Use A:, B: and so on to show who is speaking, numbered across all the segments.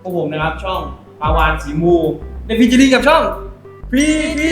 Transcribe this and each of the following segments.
A: วกผมนะครับช่องปาวานสีมูในฟีเจอริ่งกับช่องพีพี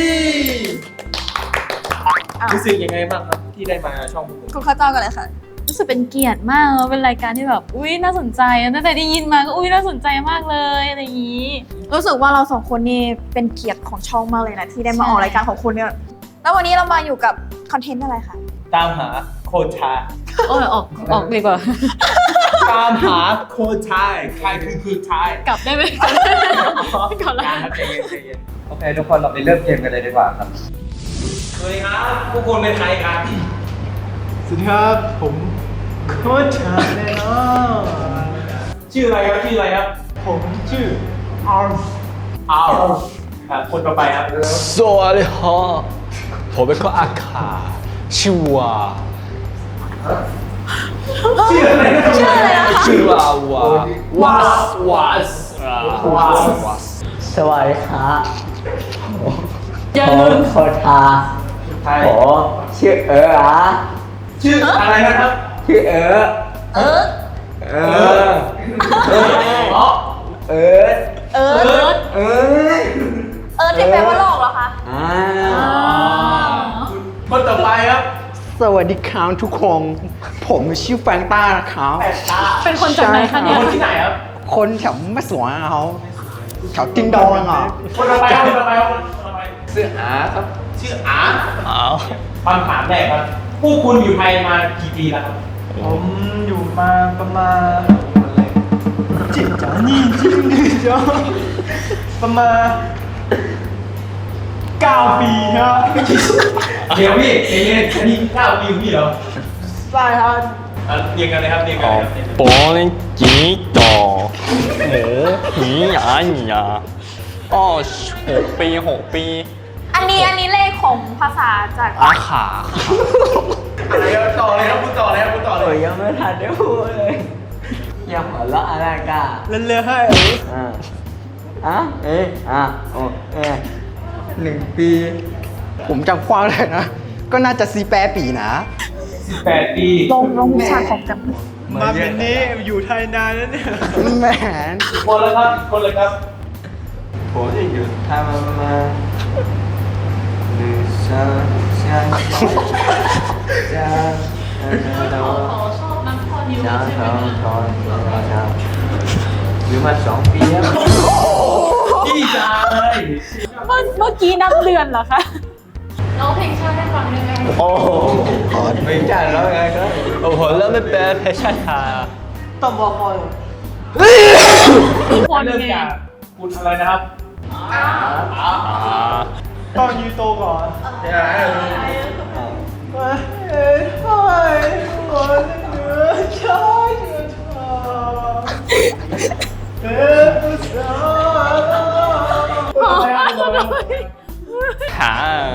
A: รู้สึกยังไงบ้างครับที่ได้มาช่องผม
B: คุณข้าวเจ้ากันเลยค่ะ
C: รู้สึกเป็นเกียรติมากเป็นรายการที่แบบอุ้ยน่าสนใจตั้งแต่ได้ยินมาก็อุ้ยน่าสนใจมากเลยอะไรอย่างนี้
B: รู้สึกว่าเราสองคนนี่เป็นเกียรติของช่องมากเลยนะที่ได้มาออกรายการของคุณเนี่ยแล้ววันนี้เรามาอยู่กับคอนเทนต์อะไรคะ
A: ตามหาโคชาย
C: ออกดีกว่า
A: ตามหาโคชายใครคือคือชาย
C: กลับได้ไหมกลับแล้ว
A: ครับใจเย็นใจเย็น
D: โอเคทุกคนเราไปเริ่มเกมกันเลยดีกว่าครับ
A: สวัสดีครับพวกคุณเป็นใครครับ
E: สวัสดีครับ ผมโค้ชชาแน่นอน
A: ชื่ออะไรครับชื่ออะไรครับ
E: ผมชื่ออาร์ม
A: อ้าวครับคนต่อไปครับ
F: สวัสดีครับผมเป็นคนอาคาชื่อว่า
A: ชื่ออะไรนะ
F: ชื่อว่าวาส
D: สวัสดีครับ
C: อย่า
D: ผ
C: ลื
D: ม
C: ม
D: โคชา
A: ใช่
D: ผมชื่ออะ
A: ชื่ออะไรนะครับ
D: ชื่อเออ
B: เออ
A: อ๋อ
D: เออ
B: เออ
D: เออ
B: เออที่แปลว่าโลกเหรอคะ
A: คนต่อไปครับ
E: สวัสดีครับทุกคน ผมชื่อแฟรงต้านะครับ
C: เป็นคนจากไหนคะเนี่ย
A: คนที่ไหนครับ
E: คนแถวแม่สวยเขาแถวติงดองอ่ะ
A: คนต่อไปครับคนต่อไปครับคนต่อไป
D: ชื่ออาครับ
A: ชื่ออาคำถามแรกครับพวกคุณอยู่ไทยมากี่ปีแล้วครับ
E: ผมอยู่มาประมาณจิตจ๋านี่จริงดิจ้าประมาณ9 ปีครับ
A: เดี๋ยวพี่เรียนอันนี้9 ปีของพี่เหรอ
E: ใช่ครับ
A: เรียนกันเลยครับเรียนกันเลยครับ
F: ปอนจีโตหมูหนีหยาหยาอ๋อ6 ปี
B: อันนี้เลขของภาษาจาก
F: อาขา
A: อะไรครับต่อเลยครับพูดต่อเลยครับพูดต่อเล
D: โอ้
A: ย
D: ยยังไม่ทันได้พูดเลยยังหัวเราะอะไรกัน
E: เรื่อยๆให้
D: โอ้1 ปี
E: ผมจำความได้นะ ก็น่าจะ4 ปีนะ
A: 8 ปี
B: ลงวิชาของจำ
E: มาเป็นนี้อยู่ไทยนานแล้วเนี่ยแหม
A: คนแล้วครับคนเลยครับ
D: ผมจะอยู่ไทยมาประมาณ1 2 3
C: ชอบนักพอนิว
D: หรือมา2 ปีแล้ว
A: พี่ชาย
C: เมื่อกี้นับเดือนเหรอคะร้องเพลงชาติให้ฟังได้ไหม
F: โอ้โห
D: ไม่ใช่แล้วไงครับ
F: โอ้โหแล้วไม่เป็นเพชรชา
E: ต้องบอกก่อน
C: ทุกคน
A: เริ่ม
C: ไง
A: จากคุณอะไรนะครับ
E: ต้องยูโตก่อน
F: ขา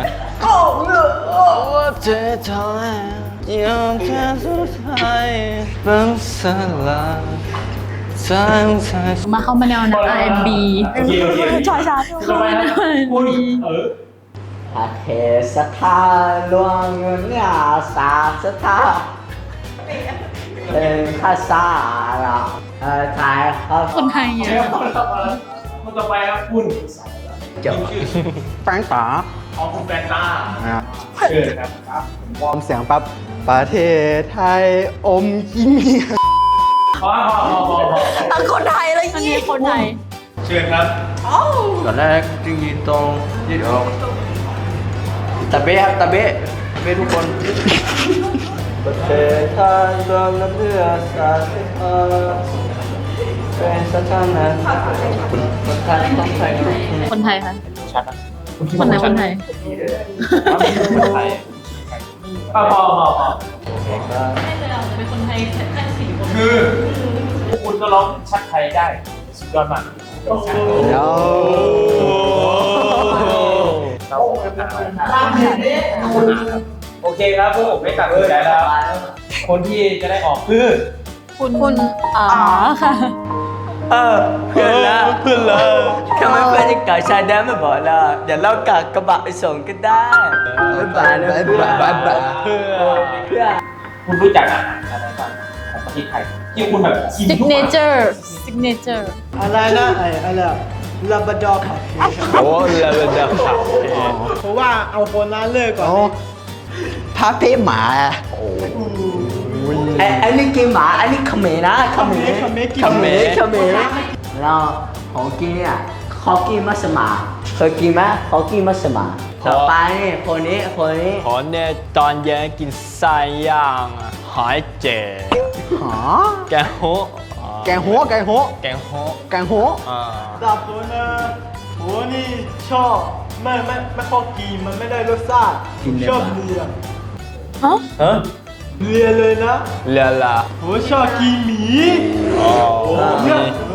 F: 我最讨厌有天出彩分散了在舞台
C: มาเข้ามาแนวนัก R&B
A: โอเคโอเค
B: ชอยชา
A: ต่อไปครับคุณ
D: ประเทศสถานหลวงเงินยาศาสตร์สถานเป็นภาษาเราไทยครับ
C: คนไทย
A: เช
C: เย
A: ฟ
C: อะ
A: คนต่อไปครับคุณ
D: จบ
A: ชื่อ
E: แฟรงตา
A: ของคุณแฟนต้าเชิญครับครับ
E: วอร์มเสียงปั๊บประเทศไทยอมยิ้ม
A: พอ
B: คนไทยเลย
C: อัน
B: ยี่
C: นี้คนไทย
A: เชิญครับ
D: ตอนแรกจึงยืนตรงยืดออกตะเบะครับตะเบะทุกคนประเทศไทยรวมและเพื่อศาสนาเป็นสถานะคนไทยต้องใช้ทุกคน
C: คนไทยค่ะ
A: ชัดนะ
C: คนไหนคนไทย
A: คนไทยพอ
C: เป็นคนไทยแค่4 คน
A: คือพวกคุณก็ร้องชัดไทยได้สุดยอดมาก
E: โอ้
A: โอเคครับพวกผมไม่ตัดสินใจแล้ว คนที่จะได้ออกคือ
C: คุณอ๋อค่ะ
D: เพื่อนละเพื่อนละทำไมเพื่อนจะก่อชายแดนไม่บอกล่ะเดี๋ยวเรากะกระบะไปส่งก็ได้บ๊ายบายนะเพื่อน
A: คุณรู้จักอาหารอะไรบ้างของประเทศไทยที่คุณแบบกิน
C: ซิก
A: ทุก
C: เน
A: วัน
C: เจอร์ซิกเนเจอร์
E: อะไรนะอะไรลาบราดอร์คาเฟ่
F: โอ้เลเวลเดอร์ครับ
E: เพราะว่าเอาคนนั้นเลิกก่อน
F: พาเป้หมาอันนี้กินหมาอันนี้ขมิ้นนะขมิ้นแล้วของกินเนี่ยเขากินมัสมาเคยกินไหมเขากินมัสมาต่อไปนี่คนนี้
G: ผมเนี่ยตอนเย็นกินไส้ย่างหอยเจ๋
F: หา
G: แกงโฮ
F: แกงหัว
G: แกงโฮ อ่า
E: แต่ผมนะผมนี่ชอบไม่พอกินมันไม่ได้รสชาติชอบเลีย
C: ฮะ
G: ฮะ
E: เลียเลยนะ
G: เรือละ
E: ผมชอบกินหมี
G: อ๋อมี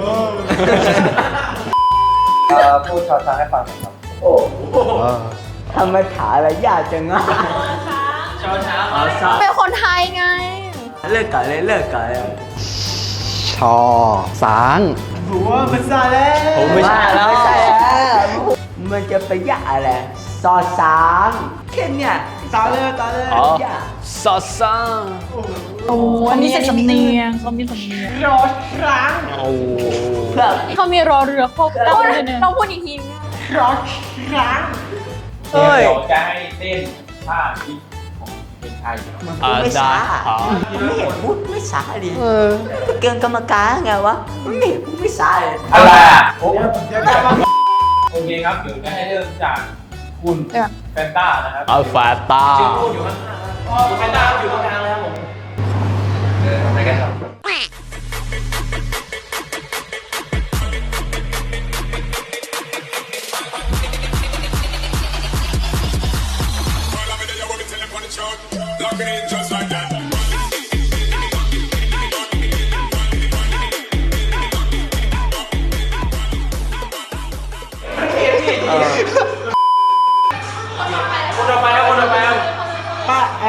A: พูดชอช้างให้ฟังหน่อยครับ
F: ทำไมถามอะไรยากจังอ่ะ
A: ชอช้าง
B: เป็นคนไทยไง
F: เลิกกันเลยชอสาง
E: ผมว่าภาษาแล้ว
G: ผมไม่ใช่
F: แล้วไม่ใช่แล้วมันจะไปยากอะไรซอสางแค่เนี้ย
E: ตาเลย
G: อ๋อ
F: ยาก
G: ซอสซัง
C: โอ้อันนี้สำเนียงเขามีสำเนียง
E: รอครั้ง
G: โอ้
F: เพื่อ
C: เขามีรอเรือครบตั้งเลยเนี่ย
B: ต้องพูดอีกที
E: รอครั้ง
A: เดี๋ยวจะให้เต้นท่าที่ของเพลงไทย
G: อาจารย์ครับ
F: ไม่เห็นพูดไม่สาดิเกินกรรมการไงวะไม่เห็นพูดไม่สาเลย
A: อะไรอ่ะโอเคครับเดี๋ยวจะให้เริ่มจากคุณแฟนต้านะครับ
G: อัลฟาตา
A: ชื่อพูดอยู่ข้างๆคุณแฟนต้าอยู่ตรงกลางเลยครับผมทำอะไรกันครับ คนต่อไปครับ
E: ป้าเอา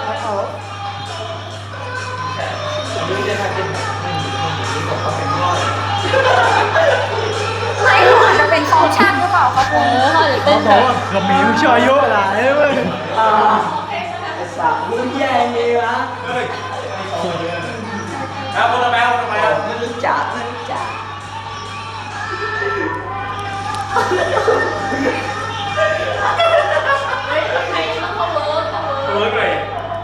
B: ไม่รู้อาจจะเป็นฟังก์ชันหรือเปล่าครับคุณ
C: เขาจะเต้น
E: บ
C: แบ
E: อก
C: บ
E: ว่าขมิ้นชอยเยอะหลายเว้ย
F: สาพูดแย่เลยวะ
A: ครับคนต่อไปครับ
F: ไม่รู้จัก
A: เวิร์กเลย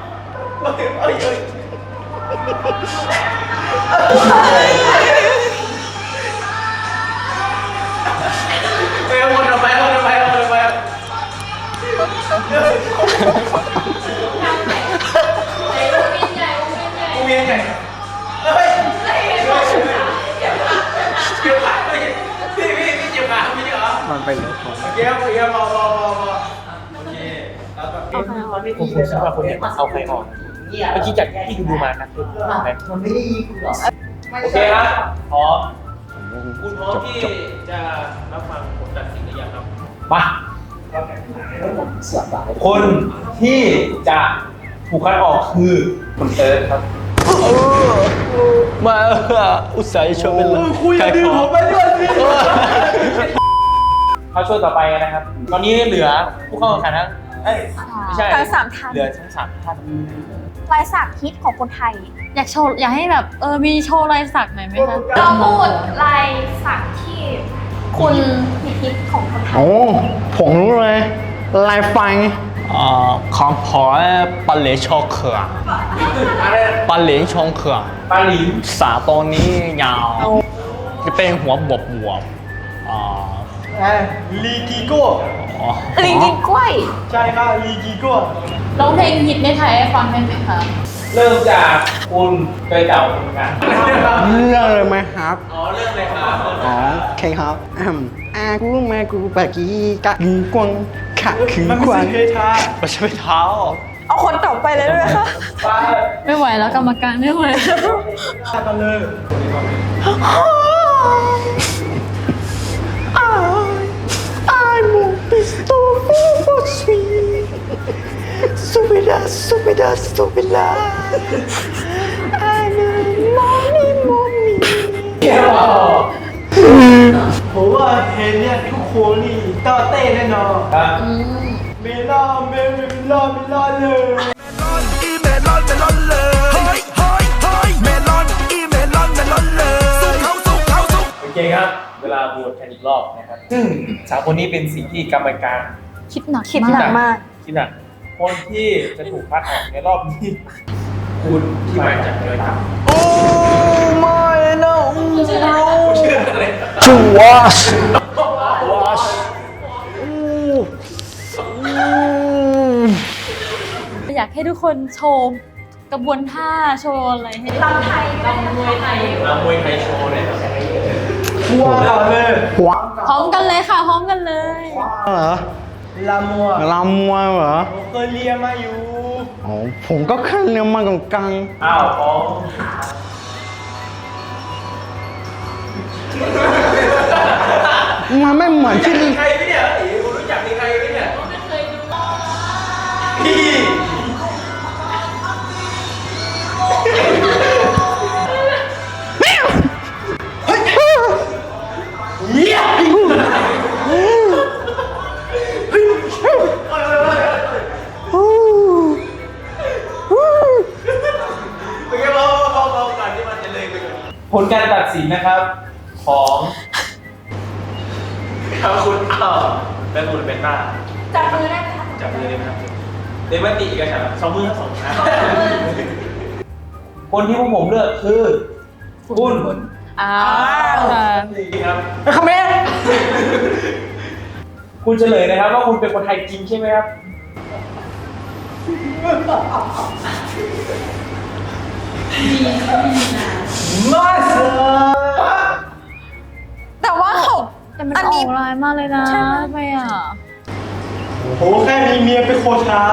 A: ไปครับคนต่อไปครับกูเวียนไงเฮ้ยเจ็บขาพี่เจ็บขาพี่เหรอ
F: มันไปเลย
A: โอเคพอโอเคแล้วแบบผมคิดว่าคนเนี่ยเอาใครออกเมื่อกี้จากที่ดูมานะ
F: มันไม่ได้ยิงกูหรอก
A: โอเคครับพร้อมคุณพร้อมที่จะรับฟังผลตัดสินหรือยังครับมาคนที่จะถูกคัดออกคือคุณเอิร์ธครับ
G: มาอุตส่าห์ชมเป็นเลย
E: คุยกับดื้อผมไปด้วยสิ
A: เข้าช่วงต่อไปนะครับ ตอนนี้เหลือผู้เข้าแข่งขันทั้งไม่ใช่
B: ทั้งสามท่าน
A: เหลือทั้งสามท่าน
B: ลายสักฮิตของคนไทย
C: อยากโชว์อยากให้แบบมีโชว์ลายสักหน่อยไหมคะ
B: เราพูดลายสักที่คุณฮิตของคนไทย
F: โอ้ผมรู้เลยลายไฟ
G: ของผมปลาเหลชอเขือปลาเหลชอเขือ
A: ปาหลิน
G: สาตัวนี้ยาวจะเป็นหัวบวบ
E: ลีกิโก้
B: ลิงกินกล้วย
E: ใช่ค่ะลีกิโก้
C: ร้องเพลงฮิตในไทยให้ฟังได้ไหมคะ
A: เริ่มจากคุณเตยเต่าเหมือนกัน
F: เรื่องเลยไหมครับ
A: อ๋อเริ่มเลยครับ
F: อ๋อโอเคครับกูแม่กูปากีกะกูกวางขะคื
E: มัน
F: ก
E: ไม่
F: วา
E: ใช่
F: ง
E: เคทา
G: ไม่ใช่เท้า
B: เอาคนต่อไปเลยด้วยค่ะ
A: ป้า
C: ไม่ไหวแล้วกรรมการไม่ไหวแล้ว
E: กันเลย
F: I won't be so sweet. Stupida. I'm a mommy.
E: ผมว่าเห็นเนี่ยทุกคนนี่ต้อเต้แน่นอน
A: ครับ
E: เมลอนเลย
H: เมลอนเมลอนเลยเฮ้ยเฮ้ยเฮ้ยเมลอนเม
A: เวลาโหวตกันอีกรอบนะครับซึ่งสามคนนี้เป็นสิ่งที่กรรมการ
C: คิดหนัก
B: คิดหนักมาก
A: คิดหนักคนที่จะถูกคัดออกในรอบนี้คุณที่มาจากเรือดำ
F: โอ้ไม่นะ
A: ชื่ออะไร
G: ชื่อวอช
C: อยากให้ทุกคนโชว์กระบวนท่าโชว์อะไรให้ลำไทยลำมวยไทย
A: มวยไทยโชว์เลยครับ
E: ว้าวเลย
C: พร้อมกันเลยค่ะพร้อมกันเลย
F: เหรอ
E: ลามัว
F: ลำมวยเหรอ
E: ผมเคยเรียนมาอยู่
F: อ๋อผมก็แค่เรียนมากลาง
A: อ้าวพร้อม
F: ๆมันไม่เหมือนที่
A: ใครไหมเนี่ยคุณรู้จักใครไหมเนี่ยพี่ ผลการตัดสินนะครับของครับคุณและคุณเป็นต้า
B: จับมือได้ไหมคะ
A: จับมือเลยนะครับเดมติกันครับสองมือทั้งสองนะคนที่พวกผมเลือกคือคุณ
C: อ้าวค่ะ
A: นี่ครับคอมเมนต์คุณเฉลยนะครับว่าคุณเป็นคนไทยจริงใช่ไหมครับ
E: มาส
B: แต่ว่าเขา
C: แต่มัน
B: อัน
C: อ
B: นี้
C: อกลายมากเลยนะ
B: ใช่ไหม
C: ทำไมอ่ะ
E: โหแค่มีเมียเป็นโคชา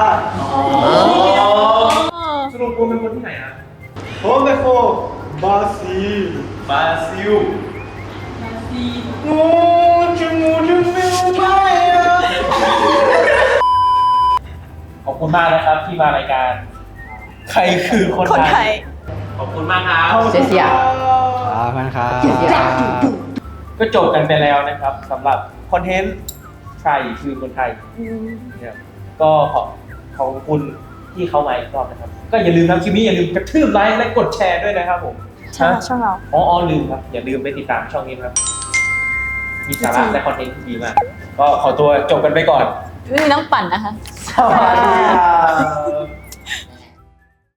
A: สรุปคุณเป็นคนที่ไหนนะ
E: ผมเป็นโคบาซี
A: บราซิล
E: งูจะงูจะไม่รู้ไหมอะ
A: ขอบคุณมากนะครับที่มารายการ ใครคือคน
B: คน
A: ไท
B: ไท
A: ย
B: ย
A: ขอบคุณมากครับ
F: เสียครับพันครับ
A: ก็จบกันไปแล้วนะครับสำหรับคอนเทนต์ใครคือคนไทยเนี่ยก็ขอบคุณที่เขามาอีกรอบนะครับ ก็อย่าลืมนะคลิปนี้อย่าลืมกระทืบไลค์และกดแชร์ด้วยนะครับผม
B: ใช่ช่องเรา
A: อ๋อลืมครับ อย่าลืมไปติดตามช่องนี้นะครับ มีสาระและคอนเทนต์ที่ดีมาก ก็ขอตัวจบกันไปก่อน
C: มีน้ำปั่นนะคะ
E: สวัสดีครับ